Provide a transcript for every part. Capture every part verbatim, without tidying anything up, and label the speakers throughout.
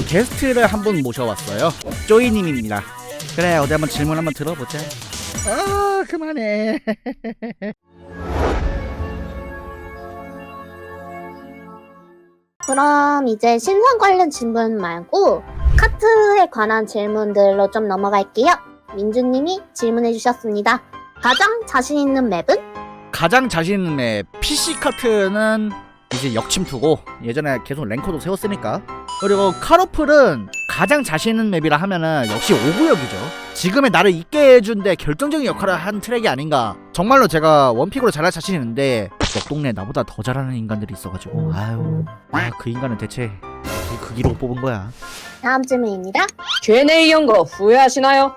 Speaker 1: 게스트를 한 분 모셔왔어요. 쪼이님입니다. 그래, 어디 한번 질문 한번 들어보자. 아, 그만해.
Speaker 2: 그럼 이제 신상 관련 질문 말고 카트에 관한 질문들로 좀 넘어갈게요. 민주님이 질문해 주셨습니다. 가장 자신 있는 맵은?
Speaker 1: 가장 자신 있는 맵 피씨 카트는 이제 역침투고 예전에 계속 랭커도 세웠으니까. 그리고 카로플은 가장 자신 있는 맵이라 하면은 역시 오구역이죠. 지금의 나를 있게 해준 데 결정적인 역할을 한 트랙이 아닌가. 정말로 제가 원픽으로 잘할 자신 있는데 옆 동네에 나보다 더 잘하는 인간들이 있어가지고 아유, 아, 그 인간은 대체 그 기로 뽑은 거야.
Speaker 2: 다음 질문입니다.
Speaker 3: 큐앤에이 연거 후회하시나요?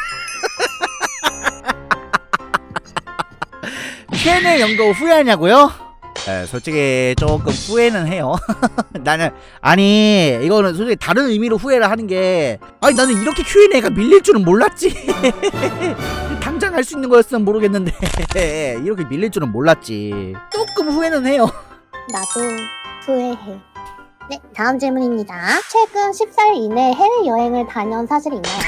Speaker 1: 큐앤에이 연거 후회하냐고요? 네, 솔직히 조금 후회는 해요. 나는 아니 이거는 솔직히 다른 의미로 후회를 하는 게, 아니 나는 이렇게 큐앤에이가 밀릴 줄은 몰랐지. 당장 할 수 있는 거였으면 모르겠는데 이렇게 밀릴 줄은 몰랐지. 조금 후회는 해요.
Speaker 2: 나도 후회해. 네, 다음 질문입니다. 최근 십 살 이내 해외여행을 다녀온 사실 있나요?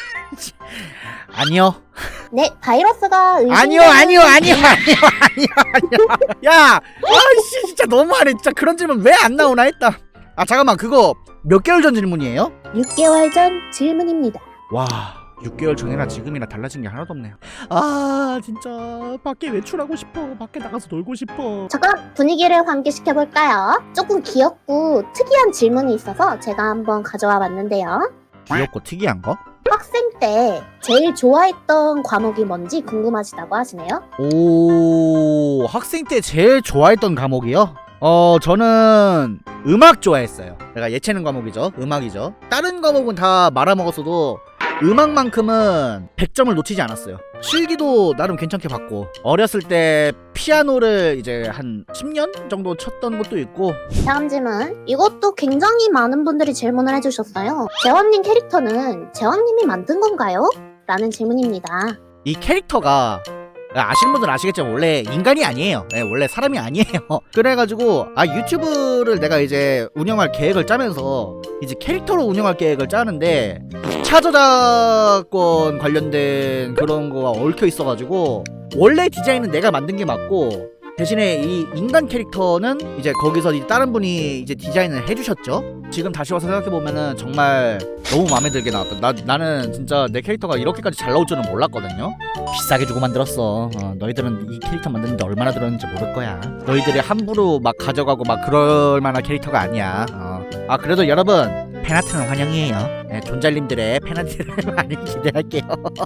Speaker 1: 아니요.
Speaker 2: 네, 바이러스가 의심되는...
Speaker 1: 아니요 아니요 아니요 아니요 아니요 아니요. 야, 아이씨 진짜 너무하네. 진짜 그런 질문 왜 안 나오나 했다. 아 잠깐만, 그거 몇 개월 전 질문이에요?
Speaker 2: 육 개월 전 질문입니다.
Speaker 1: 와, 육 개월 전이나 지금이나 달라진 게 하나도 없네요. 아 진짜 밖에 외출하고 싶어. 밖에 나가서 놀고 싶어.
Speaker 2: 잠깐 분위기를 환기시켜볼까요? 조금 귀엽고 특이한 질문이 있어서 제가 한번 가져와 봤는데요.
Speaker 1: 귀엽고 특이한 거?
Speaker 2: 학생 때 제일 좋아했던 과목이 뭔지 궁금하시다고 하시네요.
Speaker 1: 오, 학생 때 제일 좋아했던 과목이요? 어, 저는 음악 좋아했어요. 내가 예체능 과목이죠. 음악이죠. 다른 과목은 다 말아먹었어도 음악만큼은 백 점을 놓치지 않았어요. 실기도 나름 괜찮게 봤고, 어렸을 때 피아노를 이제 한 십 년 정도 쳤던 것도 있고.
Speaker 2: 다음 질문. 이것도 굉장히 많은 분들이 질문을 해주셨어요. 재원님 캐릭터는 재원님이 만든 건가요? 라는 질문입니다.
Speaker 1: 이 캐릭터가 아시는 분들은 아시겠지만 원래 인간이 아니에요. 네, 원래 사람이 아니에요. 그래가지고 아 유튜브를 내가 이제 운영할 계획을 짜면서 이제 캐릭터로 운영할 계획을 짜는데 이 차 저작권 관련된 그런 거가 얽혀 있어가지고 원래 디자인은 내가 만든 게 맞고, 대신에 이 인간 캐릭터는 이제 거기서 이제 다른 분이 이제 디자인을 해주셨죠. 지금 다시 와서 생각해보면은 정말 너무 마음에 들게 나왔다. 나, 나는 진짜 내 캐릭터가 이렇게까지 잘 나올 줄은 몰랐거든요. 비싸게 주고 만들었어. 어, 너희들은 이 캐릭터 만드는데 얼마나 들었는지 모를 거야. 너희들이 함부로 막 가져가고 막 그럴 만한 캐릭터가 아니야. 어. 아 그래도 여러분, 팬아트는 환영이에요. 네, 존잘님들의 팬아트를 많이 기대할게요.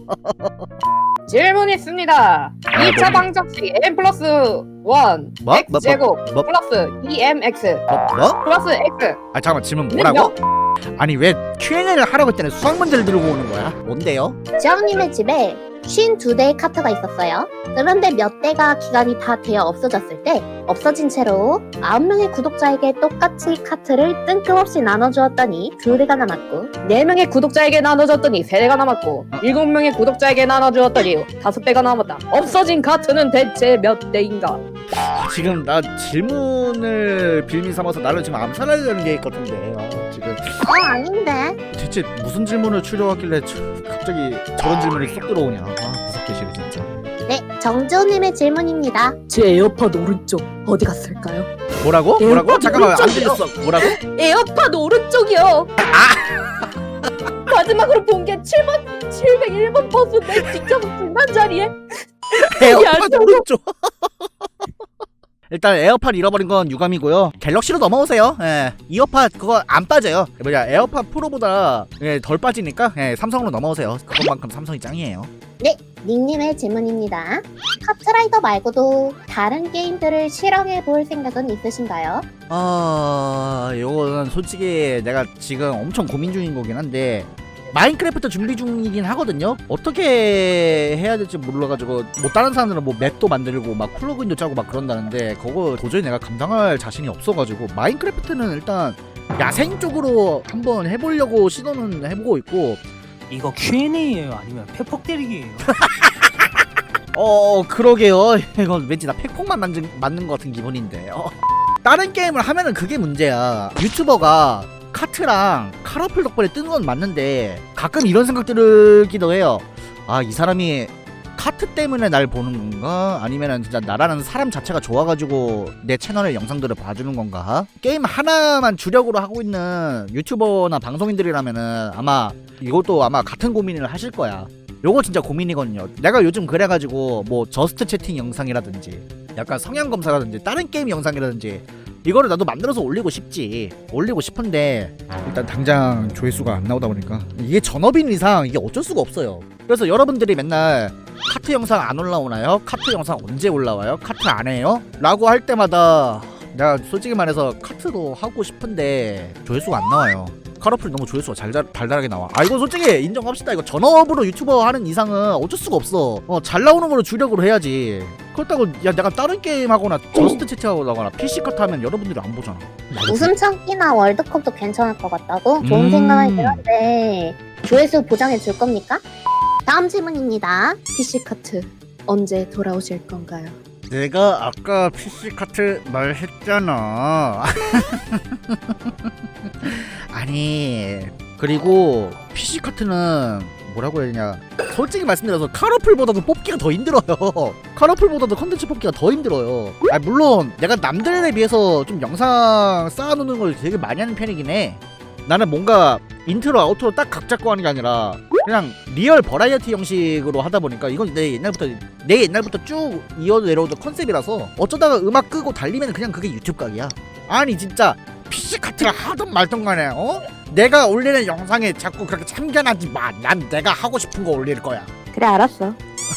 Speaker 3: 질문 있습니다.
Speaker 1: 아,
Speaker 3: 이 차
Speaker 1: 뭐.
Speaker 3: 방정식 n 플러스 일
Speaker 1: 뭐?
Speaker 3: x
Speaker 1: 뭐?
Speaker 3: 제곱
Speaker 1: 뭐?
Speaker 3: 플러스 이 엠 엑스
Speaker 1: 뭐? 뭐?
Speaker 3: 플러스 x.
Speaker 1: 아 잠깐만, 질문 뭐라고? 아니 왜 큐앤에이를 하라고 했더니 수학 문제를 들고 오는 거야? 뭔데요?
Speaker 2: 재원님의 집에 오십이 대의 카트가 있었어요. 그런데 몇 대가 기간이 다 되어 없어졌을 때 없어진 채로 아홉 명의 구독자에게 똑같이 카트를 뜬금없이 나눠주었더니 두 대가 남았고,
Speaker 3: 네 명의 구독자에게 나눠줬더니 세 대가 남았고, 일곱 명의 구독자에게 나눠주었더니 다섯 대가 남았다. 없어진 카트는 대체 몇 대인가?
Speaker 1: 지금 나 질문을 빌미 삼아서 나를 지금 암살하려는 게 있거든요. 어, 지금
Speaker 2: 어 아닌데.
Speaker 1: 대체 무슨 질문을 추려왔길래 저, 갑자기 저런 질문이 쏙 들어오냐. 아 무섭게 싫어 진짜.
Speaker 2: 네, 정지호님의 질문입니다.
Speaker 3: 제 에어팟 오른쪽 어디 갔을까요?
Speaker 1: 뭐라고?
Speaker 3: 에어팟
Speaker 1: 뭐라고? 잠깐만, 안
Speaker 3: 오른쪽이요.
Speaker 1: 들렸어. 뭐라고?
Speaker 3: 에어팟 오른쪽이요. 마지막으로 본 게 칠 번 칠백일 번 버스인데 직접 불난 자리에
Speaker 1: 에어팟
Speaker 3: 야,
Speaker 1: 오른쪽. 일단 에어팟 잃어버린 건 유감이고요. 갤럭시로 넘어오세요. 예, 이어팟 그거 안 빠져요. 뭐냐, 에어팟 프로보다 예, 덜 빠지니까 예, 삼성으로 넘어오세요. 그것만큼 삼성이 짱이에요.
Speaker 2: 네, 닉님의 질문입니다. 카트라이더 말고도 다른 게임들을 실험해 볼 생각은 있으신가요?
Speaker 1: 아, 요거는 솔직히 내가 지금 엄청 고민 중인 거긴 한데, 마인크래프트 준비 중이긴 하거든요. 어떻게 해야 될지 몰라가지고, 뭐 다른 사람들은 뭐 맵도 만들고 막 플러그인도 짜고 막 그런다는데 그거 도저히 내가 감당할 자신이 없어가지고, 마인크래프트는 일단 야생 쪽으로 한번 해보려고 시도는 해보고 있고.
Speaker 4: 이거 큐앤에이예요? 아니면 팩폭 때리기예요?
Speaker 1: 어 그러게요. 이건 왠지 나 팩폭만 만든, 맞는 것 같은 기분인데. 어. 다른 게임을 하면은 그게 문제야. 유튜버가 카트랑 카라풀 덕분에 뜬 건 맞는데 가끔 이런 생각 들기도 해요. 아, 이 사람이 카트 때문에 날 보는 건가? 아니면은 진짜 나라는 사람 자체가 좋아가지고 내 채널의 영상들을 봐주는 건가? 게임 하나만 주력으로 하고 있는 유튜버나 방송인들이라면은 아마 이것도 아마 같은 고민을 하실 거야. 요거 진짜 고민이거든요. 내가 요즘 그래가지고 뭐 저스트 채팅 영상이라든지 약간 성향 검사라든지 다른 게임 영상이라든지 이거를 나도 만들어서 올리고 싶지. 올리고 싶은데 일단 당장 조회수가 안 나오다 보니까 이게 전업인 이상 이게 어쩔 수가 없어요. 그래서 여러분들이 맨날 카트 영상 안 올라오나요? 카트 영상 언제 올라와요? 카트 안 해요? 라고 할 때마다 내가 솔직히 말해서 카트도 하고 싶은데 조회수가 안 나와요. 카라풀이 너무 조회수가 잘, 달달하게 나와. 아, 이거 솔직히 인정합시다. 이거 전업으로 유튜버 하는 이상은 어쩔 수가 없어. 어, 잘 나오는 거로 주력으로 해야지. 그렇다고 야 내가 다른 게임 하거나 저스트 채팅하거나 피씨 카트 하면 여러분들이 안 보잖아.
Speaker 2: 웃음 참기나 월드컵도 괜찮을 것 같다고? 좋은
Speaker 1: 음.
Speaker 2: 생각이긴 한데 조회수 보장해 줄 겁니까? 다음 질문입니다.
Speaker 3: 피씨 카트 언제 돌아오실 건가요?
Speaker 1: 내가 아까 피씨 카트 말했잖아. 아니, 그리고 피씨 카트는 뭐라고 해야 되냐, 솔직히 말씀드려서 카라풀보다도 뽑기가 더 힘들어요. 카라풀보다도 컨텐츠 뽑기가 더 힘들어요. 아, 물론 내가 남들에 비해서 좀 영상 쌓아놓는 걸 되게 많이 하는 편이긴 해. 나는 뭔가 인트로 아우트로 딱 각 잡고 하는 게 아니라 그냥 리얼 버라이어티 형식으로 하다 보니까 이건 내 옛날부터 내 옛날부터 쭉 이어 내려오던 컨셉이라서 어쩌다가 음악 끄고 달리면 그냥 그게 유튜브 각이야. 아니 진짜 피씨 카트를 하던 말던 간에 어? 내가 올리는 영상에 자꾸 그렇게 참견하지 마. 난 내가 하고 싶은 거 올릴 거야.
Speaker 3: 그래 알았어.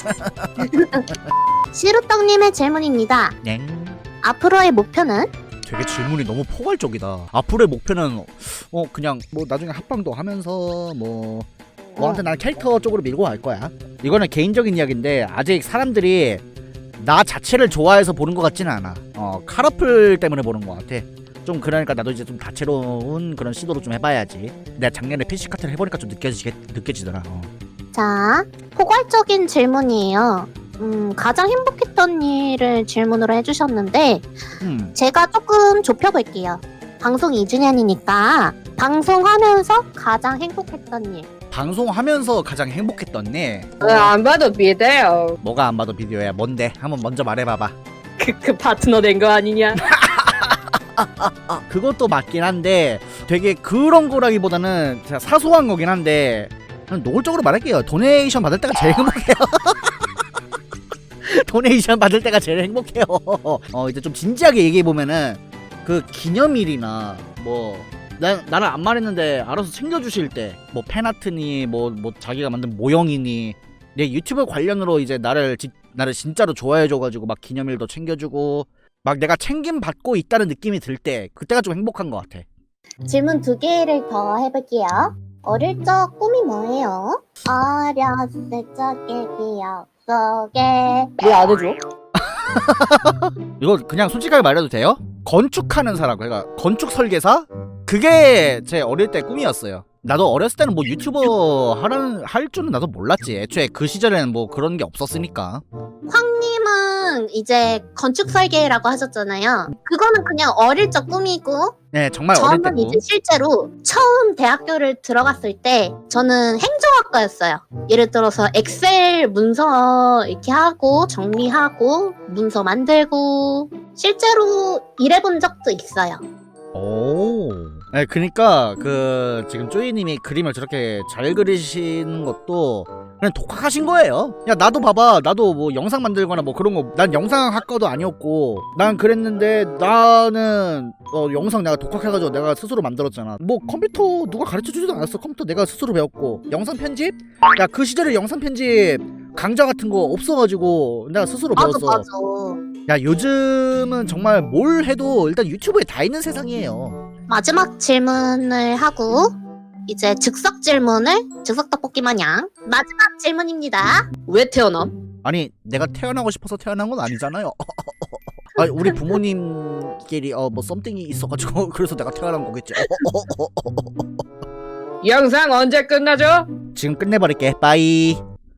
Speaker 2: 시루떡님의 질문입니다.
Speaker 1: 냉.
Speaker 2: 앞으로의 목표는?
Speaker 1: 되게 질문이 너무 포괄적이다. 앞으로의 목표는 어 그냥 뭐 나중에 합방도 하면서 뭐 뭐 아무튼 난 캐릭터 쪽으로 밀고 갈 거야. 이거는 개인적인 이야기인데 아직 사람들이 나 자체를 좋아해서 보는 것 같지는 않아. 어 카라풀 때문에 보는 것 같아. 좀 그러니까 나도 이제 좀 다채로운 그런 시도를 좀 해봐야지. 내가 작년에 피씨 카트를 해보니까 좀 느껴지게 느껴지더라. 어.
Speaker 2: 자, 포괄적인 질문이에요. 음, 가장 행복했던 일을 질문으로 해주셨는데
Speaker 1: 음.
Speaker 2: 제가 조금 좁혀볼게요. 방송 이 주년이니까 방송하면서 가장 행복했던 일.
Speaker 1: 방송하면서 가장 행복했던 일.
Speaker 3: 어, 안 봐도 비대요.
Speaker 1: 뭐가 안 봐도 비디오야. 뭔데? 한번 먼저 말해봐봐.
Speaker 3: 그, 그 파트너 된 거 아니냐?
Speaker 1: 아, 그것도 맞긴 한데 되게 그런 거라기보다는 진짜 사소한 거긴 한데 그냥 노골적으로 말할게요. 도네이션 받을 때가 제일 행복해요. 도네이션 받을 때가 제일 행복해요. 어 이제 좀 진지하게 얘기해보면은 그 기념일이나 뭐 나, 나는 안 말했는데 알아서 챙겨주실 때 뭐 팬아트니 뭐, 뭐 자기가 만든 모형이니 내 유튜브 관련으로 이제 나를 지, 나를 진짜로 좋아해줘가지고 막 기념일도 챙겨주고 막 내가 챙김 받고 있다는 느낌이 들 때 그때가 좀 행복한 것 같아.
Speaker 2: 질문 두 개를 더 해볼게요. 어릴 적 꿈이 뭐예요? 어렸을 적의 기억 속에
Speaker 3: 왜 안 해줘?
Speaker 1: 이거 그냥 솔직하게 말해도 돼요? 건축하는 사람, 그러니까 건축 설계사? 그게 제 어릴 때 꿈이었어요. 나도 어렸을 때는 뭐 유튜버 하라는 할 줄은 나도 몰랐지. 애초에 그 시절에는 뭐 그런 게 없었으니까.
Speaker 2: 황님은 이제 건축 설계라고 하셨잖아요. 그거는 그냥 어릴 적 꿈이고
Speaker 1: 네, 정말 어릴
Speaker 2: 저는
Speaker 1: 때고.
Speaker 2: 이제 실제로 처음 대학교를 들어갔을 때 저는 행정학과였어요. 예를 들어서 엑셀 문서 이렇게 하고 정리하고 문서 만들고 실제로 일해본 적도 있어요.
Speaker 1: 오. 네, 그니까 그 지금 쪼이님이 그림을 저렇게 잘 그리시는 것도 그냥 독학하신 거예요. 야 나도 봐봐. 나도 뭐 영상 만들거나 뭐 그런 거 난 영상 학과도 아니었고 난 그랬는데 나는 어 영상 내가 독학해가지고 내가 스스로 만들었잖아. 뭐 컴퓨터 누가 가르쳐주지도 않았어. 컴퓨터 내가 스스로 배웠고 영상 편집? 야 그 시절에 영상 편집 강좌 같은 거 없어가지고 내가 스스로
Speaker 2: 맞아
Speaker 1: 배웠어.
Speaker 2: 맞아.
Speaker 1: 야 요즘은 정말 뭘 해도 일단 유튜브에 다 있는 세상이에요.
Speaker 2: 마지막 질문을 하고 이제 즉석 질문을 즉석 떡볶이 마냥 마지막 질문입니다.
Speaker 3: 왜 태어남?
Speaker 1: 아니 내가 태어나고 싶어서 태어난 건 아니잖아요. 아니 우리 부모님끼리 어 뭐 썸띵이 있어가지고 그래서 내가 태어난 거겠지.
Speaker 3: 영상 언제 끝나죠?
Speaker 1: 지금 끝내버릴게. 빠이.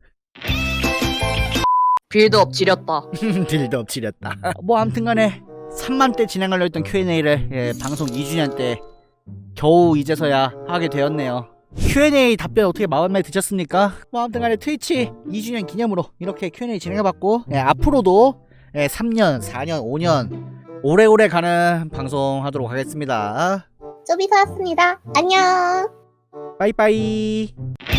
Speaker 3: 빌드업 지렸다.
Speaker 1: 딜도 지렸다. 뭐 아무튼간에 삼만 때 진행하려 했던 큐 앤 에이를 예, 방송 이 주년 때 겨우 이제서야 하게 되었네요. 큐앤에이 답변 어떻게 마음에 드셨습니까? 뭐 아무튼 간에 트위치 이 주년 기념으로 이렇게 큐앤에이 진행해봤고, 예, 앞으로도 예, 삼 년, 사 년, 오 년 오래오래 가는 방송 하도록 하겠습니다.
Speaker 2: 쪼비서였습니다. 안녕.
Speaker 1: 빠이빠이.